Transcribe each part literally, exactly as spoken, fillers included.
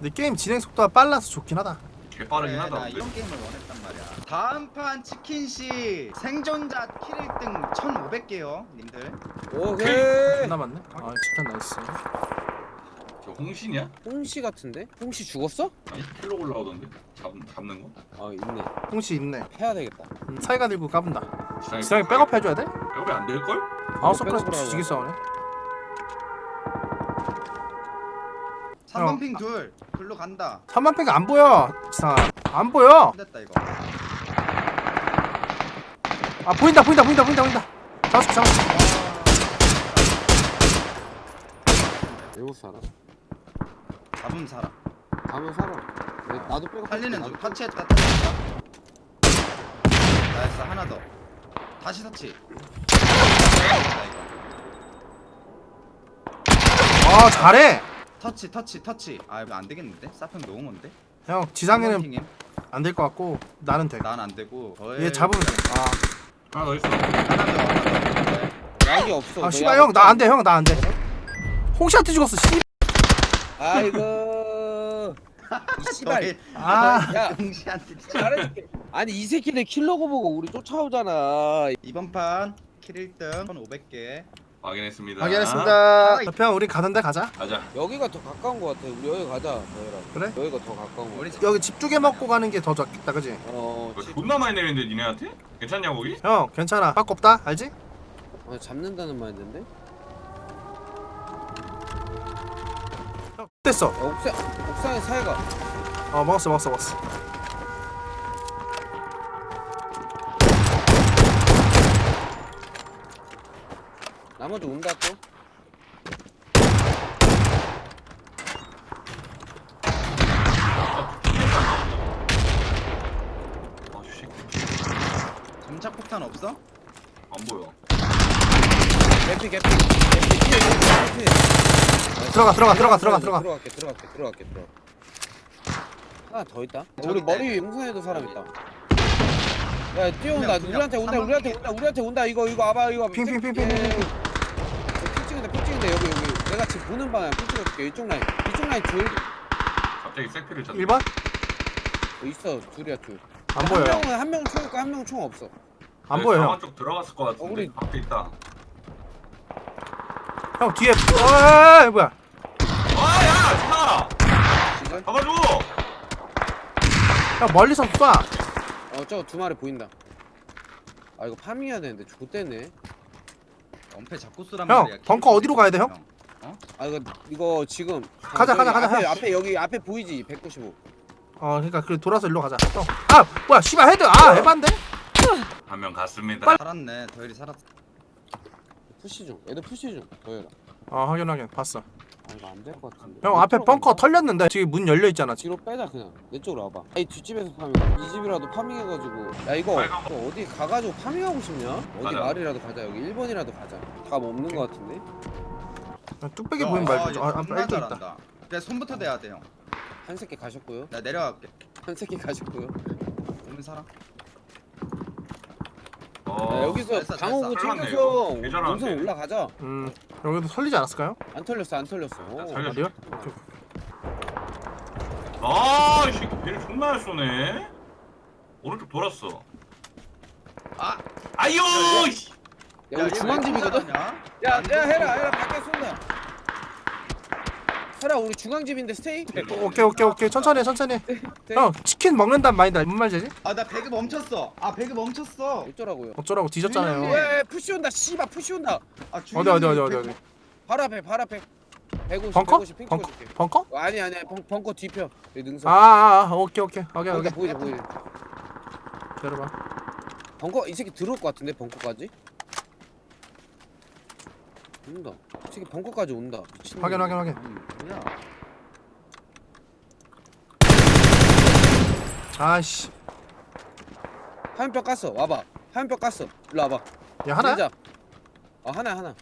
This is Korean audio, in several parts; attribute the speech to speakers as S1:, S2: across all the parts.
S1: 근데 게임 진행 속도가 빨라서 좋긴 하다.
S2: 개빠르긴
S3: 그래,
S2: 하다.
S3: 나
S2: 근데.
S3: 이런 게임을 원했단 말이야. 다음 판 치킨시 생존자 킬 일 등 천오백 개요 님들.
S4: 오케이.
S1: 존나 많네. 아 집탄 나이스.
S2: 저 홍신이야?
S4: 홍시 같은데? 홍시 죽었어?
S2: 아니 킬로 올라오던데. 잡 잡는 거?
S4: 아 있네.
S1: 홍시 있네.
S4: 해야 되겠다.
S1: 음, 사이가 들고 까분다.
S2: 지상에
S1: 지상에 백업 해줘야 돼?
S2: 백업이 안 될 걸?
S1: 아웃 서클에서
S4: 백업을
S1: 뒤지게 싸우네.
S3: 삼 번
S1: 어.
S3: 핑 둘. 둘로 간다.
S1: 삼만 팩이 안 보여. 지상 안 보여.
S3: 됐다 이거.
S1: 아 보인다 보인다 보인다 보인다 보인다. 잡았어 잡았어.
S4: 외국 살아.
S3: 잡음 살아.
S4: 가면 살아. 내- 나도 빼고
S3: 살리는 중. 터치했다. 터치했다. 나이스 하나 더. 다시 터치. 됐다, 이거.
S1: 아 잘해.
S3: 터치 터치 터치. 아 이거 안 되겠는데? 사평 너무 먼데?
S1: 형 지상에는 안 될 것 같고 나는 돼.
S3: 난안 되고.
S1: 얘 잡으면 돼.
S2: 하나 더 있어.
S3: 하나 더 하나 더.
S4: 약이 없어.
S1: 아, 아
S4: 너
S1: 씨발
S4: 약
S1: 형 나 안 돼.
S4: 없잖아.
S1: 형 나 안 돼. 홍시한테 죽었어. 씨.
S4: 아이고. 이 씨발.
S1: 아.
S4: 야.
S3: 동시한테
S4: 잘해줄게. 아니 이 새끼들 킬러고 보고 우리 쫓아오잖아.
S3: 이번 판 킬 일 등 천오백 개.
S2: 확인했습니다.
S1: 확인했습니다. 형 우리 가는데 가자.
S2: 가자.
S4: 여기가 더 가까운 거 같아. 우리 여기 가자. 너희랑.
S1: 그래?
S4: 여기가 더 가까운 거.
S3: 우리
S4: 같아.
S1: 여기 집 두 개 먹고 가는 게 더 좋겠다, 그지?
S4: 어.
S2: 뭐
S4: 치-
S2: 존나 많이 내리는데 니네한테? 괜찮냐 거기?
S1: 형 괜찮아. 빠꾸 없다, 알지?
S4: 어, 잡는다는 말인데.
S1: 형 됐어.
S4: 야, 옥상 옥상에 사이가.
S1: 어 먹었어 먹었어 먹었어.
S4: 나머지 온다 또.
S2: 아 씨.
S3: 점착 폭탄 없어?
S2: 안 보여.
S4: 개피 개피 개피 피해 개피 피해.
S1: 들어가 들어가 들어가 들어가 들어가.
S4: 들어갈게 들어갈게 들어갈게 들어가. 하나 더 있다.
S3: 저기
S4: 우리
S3: 있다.
S4: 머리 위에 용산에도 사람 있다. 야 뛰어온다.
S3: 그냥, 그냥
S4: 우리한테 온다.
S3: 한번
S4: 우리한테
S3: 핑.
S4: 온다. 우리한테 온다. 이거 이거 와봐 이거.
S1: 핑, 핑, 핑, 핑,
S4: 예.
S1: 핑, 핑.
S4: 핑 찍은데 핑 찍은데 여기 여기. 내가 지금 보는 방향 핑 찍어줄게. 이쪽 라인. 이쪽 라인 둘.
S2: 갑자기 색피를 찾네.
S1: 일 번?
S4: 어, 있어 둘이야 둘.
S1: 안 보여요.
S4: 한 명은 한 명은 총 있고 한 명은 총 없어.
S1: 안 보여 형.
S2: 상황 쪽 들어갔을 것 같은데.
S4: 어, 우리-
S2: 밖에 있다.
S1: 형 뒤에. 어이 뭐야?
S2: 아야 진아.
S4: 지금?
S2: 잡아줘.
S1: 형 멀리서 쏴.
S4: 어 저거 두 마리 보인다. 아 이거 파밍해야 되는데 좋댔네.
S3: 엄폐 잡고 쓰란
S1: 형,
S3: 말이야.
S1: 벙커 어디로 가야 돼, 형?
S4: 아 이거 이거 지금
S1: 가자,
S4: 저기
S1: 가자, 가자,
S4: 앞에,
S1: 형.
S4: 앞에 여기 앞에 보이지 백구십오.
S1: 어 그러니까 그 돌아서 일로 가자. 형. 아 뭐야 씨발 헤드. 아 에반데?
S2: 한 명 갔습니다.
S3: 살았네. 더일이 살았어.
S4: 푸시 중. 애들 푸시 중. 더해라.
S1: 어 확인 확인 봤어.
S4: 아 이거 안 될 것 같은데.
S1: 형
S4: 못
S1: 앞에
S4: 들어간다.
S1: 벙커 털렸는데 지금 문 열려 있잖아.
S4: 뒤로 빼자 그냥. 내 쪽으로 와봐. 아이 뒷집에서 파밍. 이 집이라도 파밍해가지고. 야 이거
S2: 빨간
S4: 또 어디 가가지고 파밍하고 싶냐? 어디
S2: 가자.
S4: 마을이라도 가자. 여기 일 번이라도 가자. 답 없는 것 같은데.
S1: 뚝배기 보이면 말고. 아, 아
S3: 존나
S1: 일도 있다.
S3: 잘한다. 그래 손부터 대야 돼 형.
S4: 한 새끼 가셨고요.
S3: 나 내려갈게.
S4: 한 새끼 가셨고요.
S3: 오면 살아.
S2: 어.
S4: 야, 여기서
S3: 됐어,
S4: 방어구
S2: 됐어.
S4: 챙겨서
S2: 잘랐네, 이거.
S4: 용선
S2: 괜찮았네.
S4: 올라가자.
S1: 음 여기도 털리지 않았을까요?
S4: 안 털렸어 안 털렸어. 오.
S2: 살려.
S1: 어디요?
S2: 아, 이 새끼 배를 존나 잘 쏘네. 오른쪽 돌았어.
S3: 아.
S2: 아유, 씨.
S4: 야 우리 중앙집이거든. 야, 야 해라 해라 밖에 쏜다. 해라 우리 중앙집인데 스테이.
S1: 오케이 오케이 오케이 천천히 해, 천천히. 해.
S4: 네.
S1: 형 치킨 먹는단 마인드 뭔 말이지?
S3: 아나 배그 멈췄어. 아 배그 멈췄어.
S4: 어쩌라고요?
S1: 어쩌라고 뒤졌잖아요.
S4: 왜 푸시 온다 씨발 푸시 온다.
S3: 아
S1: 어디 어디 어디 어디 어디?
S4: 바로 앞에 바로 앞에. 백오십
S1: 벙커?
S4: 백오십 핑
S1: 벙커?
S4: 찍어줄게.
S1: 벙커?
S4: 어, 아니 아니 벙, 벙커 뒤편. 여기 능선.
S1: 아, 아, 아 오케이 오케이 오케이
S4: 거기다
S1: 오케이.
S4: 보이지 보이지.
S1: 기다려봐.
S4: 벙커 이 새끼 들어올 것 같은데 벙커까지? 온다. 이 새끼 벙커까지 온다. 미친놈.
S1: 확인 확인 확인.
S3: 음, 뭐야?
S1: 아씨.
S4: 화염병 깠어. 와봐. 화염병 깠어. 일로 와봐.
S1: 야 하나?
S4: 밀자. 어 하나 하나.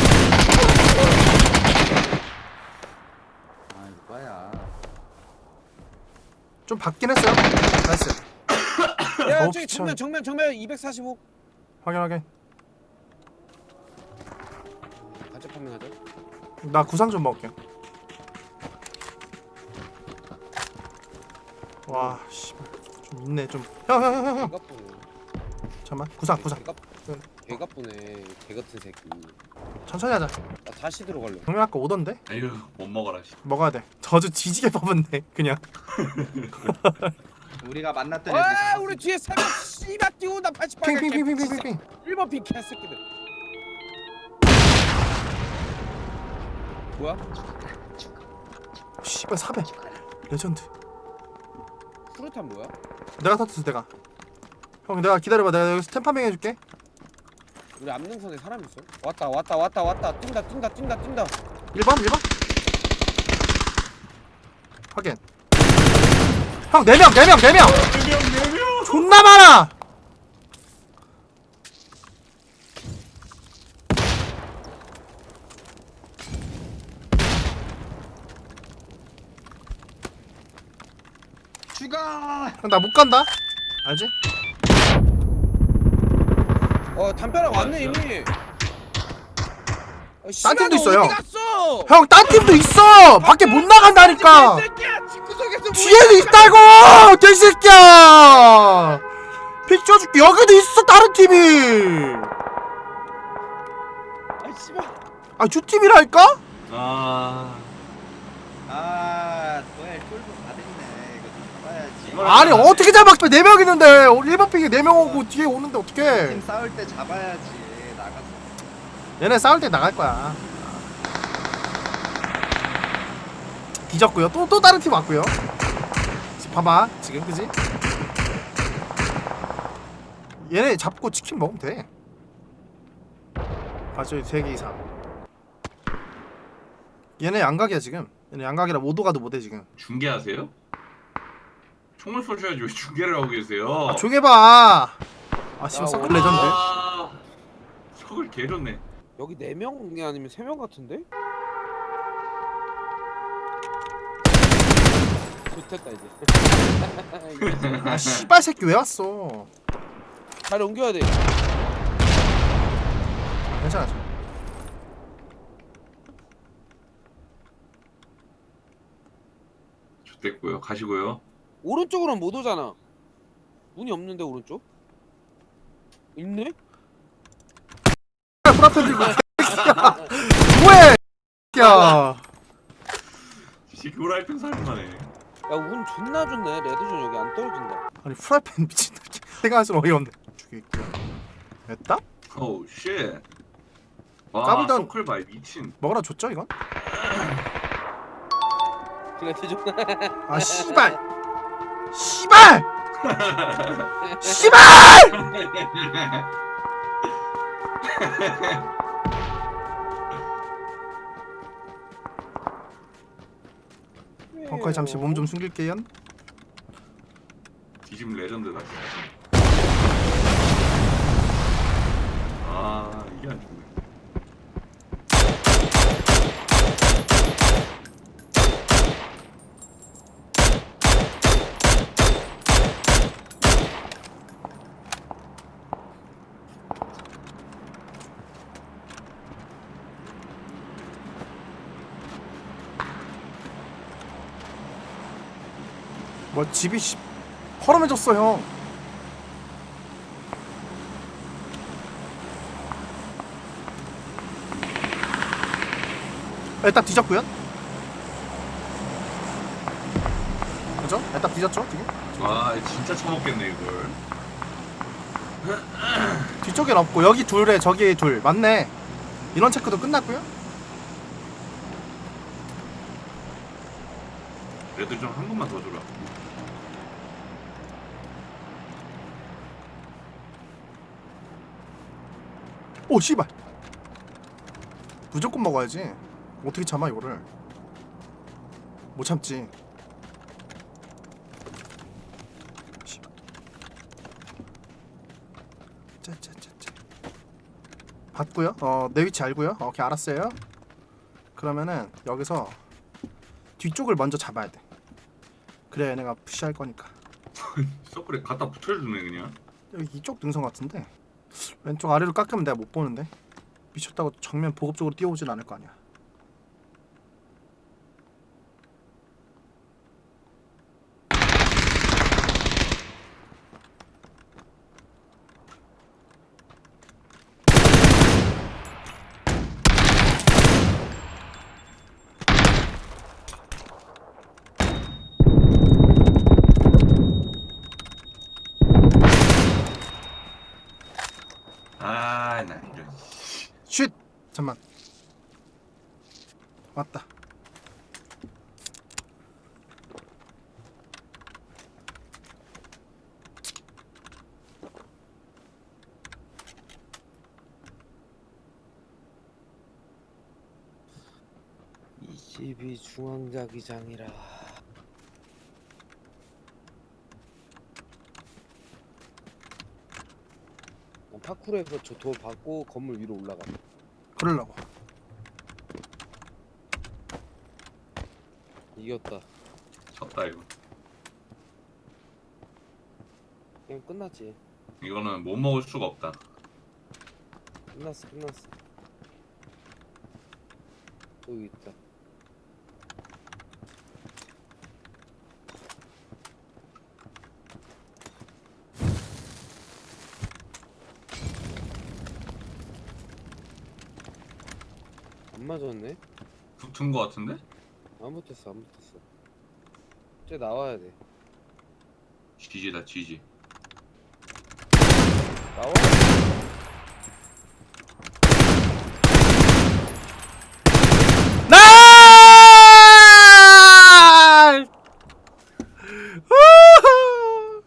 S3: 아 이거 뭐야?
S1: 좀 받긴 했어요. 나이스.
S4: 야
S1: 어우,
S4: 저기
S1: 미쳐.
S4: 정면 정면 정면 이백사십오.
S1: 확인 확인.
S4: 같이 판매하자.
S1: 나 구상 좀 먹을게. 와 씨발 좀 있네 좀. 형 형 형 형 형.
S4: 개가 뿌네.
S1: 잠만 구상 구상.
S4: 개가 개가 뿌네. 개 같은 새끼.
S1: 천천히 하자.
S4: 나 다시 들어갈래.
S1: 정면 아까 오던데?
S2: 아유 못 먹어라. 씨.
S1: 먹어야 돼. 저주 뒤지게 뽑았네 그냥.
S3: 우리가 만났던 애들이
S4: 와
S3: 잡았어.
S4: 우리 뒤에 세명 씨발 뛰어온다. 팔십팔.
S1: 핑핑핑핑핑핑.
S4: 일 번 핑 개새끼들. 뭐야?
S1: 씨발 사배. 레전드.
S4: 수류탄 뭐야?
S1: 내가 터뜨렸어 내가. 형 내가 기다려봐 내가 여기서 템파밍 해줄게.
S4: 우리 암능선에 사람 있어? 왔다 왔다 왔다 왔다 뛴다 뛴다 뛴다 뛴다.
S1: 일 번 일 번. 확인. 형 네 명 네 명 네 명.
S2: 네명네명
S1: 존나 많아.
S3: 죽어.
S1: 형 나 못 간다. 알지?
S4: 어 담벼락 왔네 이미. 어,
S1: 딴 팀도
S4: 씨발,
S1: 있어요.
S4: 너 어디 갔어?
S1: 형 딴 팀도 있어. 밖에 못 나간다니까.
S4: 개새끼야 집구석에서
S1: 뒤에도 있다고 개새끼야. 픽 쳐줄게. 여기도 있어 다른 팀이.
S4: 아 씨발.
S1: 아 주 팀이랄까?
S2: 아
S3: 아 도엘 쫄보 다 됐네. 이거 좀 잡아야지.
S2: 이걸-
S1: 아니 어떻게 잡아? 네 명 있는데 일 번 픽이 네 명 오고 뒤에 오는데
S3: 팀
S1: 어떡해?
S3: 싸울 때 잡아야지. 나가서.
S1: 얘네 싸울 때 나갈 거야. 뒤졌고요. 또 또 다른 팀 왔고요. 지금 봐봐 지금 그지? 얘네 잡고 치킨 먹으면 돼. 아 저기 세 개 이상. 얘네 양각이야 지금. 얘네 양각이라 오도 가도 못해 지금.
S2: 중계하세요? 총을 쏘셔야지 왜 중계를 하고 계세요?
S1: 아 조용히 해봐. 아 씨발
S4: 야,
S1: 서클
S4: 와.
S1: 레전드.
S2: 아, 석을 개좋네.
S4: 여기 네 명이 아니면 세 명 같은데? 좋겠다 이제.
S1: 아 씨발 새끼 왜 왔어?
S4: 잘 옮겨야 돼.
S1: 괜찮아.
S2: 좋됐고요. 가시고요.
S4: 오른쪽으로는 못 오잖아. 문이 없는데 오른쪽? 있네?
S1: 프라펜 들고 새끼야. 뭐해? 새끼야.
S2: 이 교라이팬 살인마네.
S4: 야 운 존나 좋네. 레드존 여기 안 떨어진다.
S1: 아니 프라이팬 미친 생각할수록 어이없네. 죽이고. 됐다?
S2: 오우 쉣. 와
S1: 까불던-
S2: 서클 바이 미친.
S1: 먹으라 줬죠 이건?
S4: 레드존.
S1: 아 씨발. 씨발. 씨발. 벙커에 잠시 몸 좀 숨길게요.
S2: 뒤집 레전드다. 아 이게 안 죽네.
S1: 뭐 집이 씨 허름해졌어 형. 일단 뒤졌고요. 그죠? 일단 뒤졌죠 지금?
S2: 아 진짜 처먹겠네 이걸.
S1: 뒤쪽엔 없고 여기 둘에 저기 둘 맞네. 인원 체크도 끝났고요.
S2: 레드 좀 한 번만 더 줘라.
S1: 오 씨발. 무조건 먹어야지. 어떻게 참아 이거를? 못 참지. 씨발. 짜짜짜짜. 봤고요. 어, 내 위치 알고요. 어, 오케이 알았어요. 그러면은 여기서 뒤쪽을 먼저 잡아야 돼. 그래 얘네가 푸시할 거니까.
S2: 서클에 갖다 붙여주네 그냥.
S1: 여기 이쪽 능선 같은데 왼쪽 아래로 깎으면 내가 못 보는데 미쳤다고 정면 보급 쪽으로 뛰어오진 않을 거 아니야. 잠만. 왔다.
S4: 이 집이 중앙자기장이라. 파쿠르에서 저 돌 받고 건물 위로 올라가.
S1: 그러려고.
S4: 이겼다.
S2: 졌다 이거.
S4: 그냥 끝났지.
S2: 이거는 못 먹을 수가 없다.
S4: 끝났어, 끝났어. 또 여기 있다. 안 맞았네?
S2: 붙은 거 같은데?
S4: 안 붙었어, 안 붙었어. 쟤 나와야 돼.
S2: 지지다 지지.
S4: 나와.
S1: 날! 우후!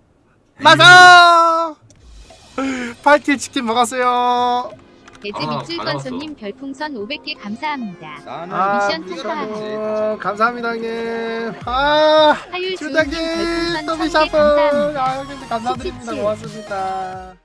S1: 맞아! 팔 킬 치킨 먹었어요.
S5: 배즈
S2: 아,
S5: 밑줄
S2: 받아왔어.
S5: 건소님 별풍선 오백 개 감사합니다.
S3: 나는
S1: 아,
S5: 미션
S3: 미션
S5: 통과.
S3: 통과했지.
S1: 어, 감사합니다 형님. 아,
S5: 하율
S1: 주장님
S5: 주호님 별풍선
S1: 또
S5: 천 개
S1: 미샤프.
S5: 감사합니다.
S1: 아 형님 감사드립니다.
S5: 치치치.
S1: 고맙습니다.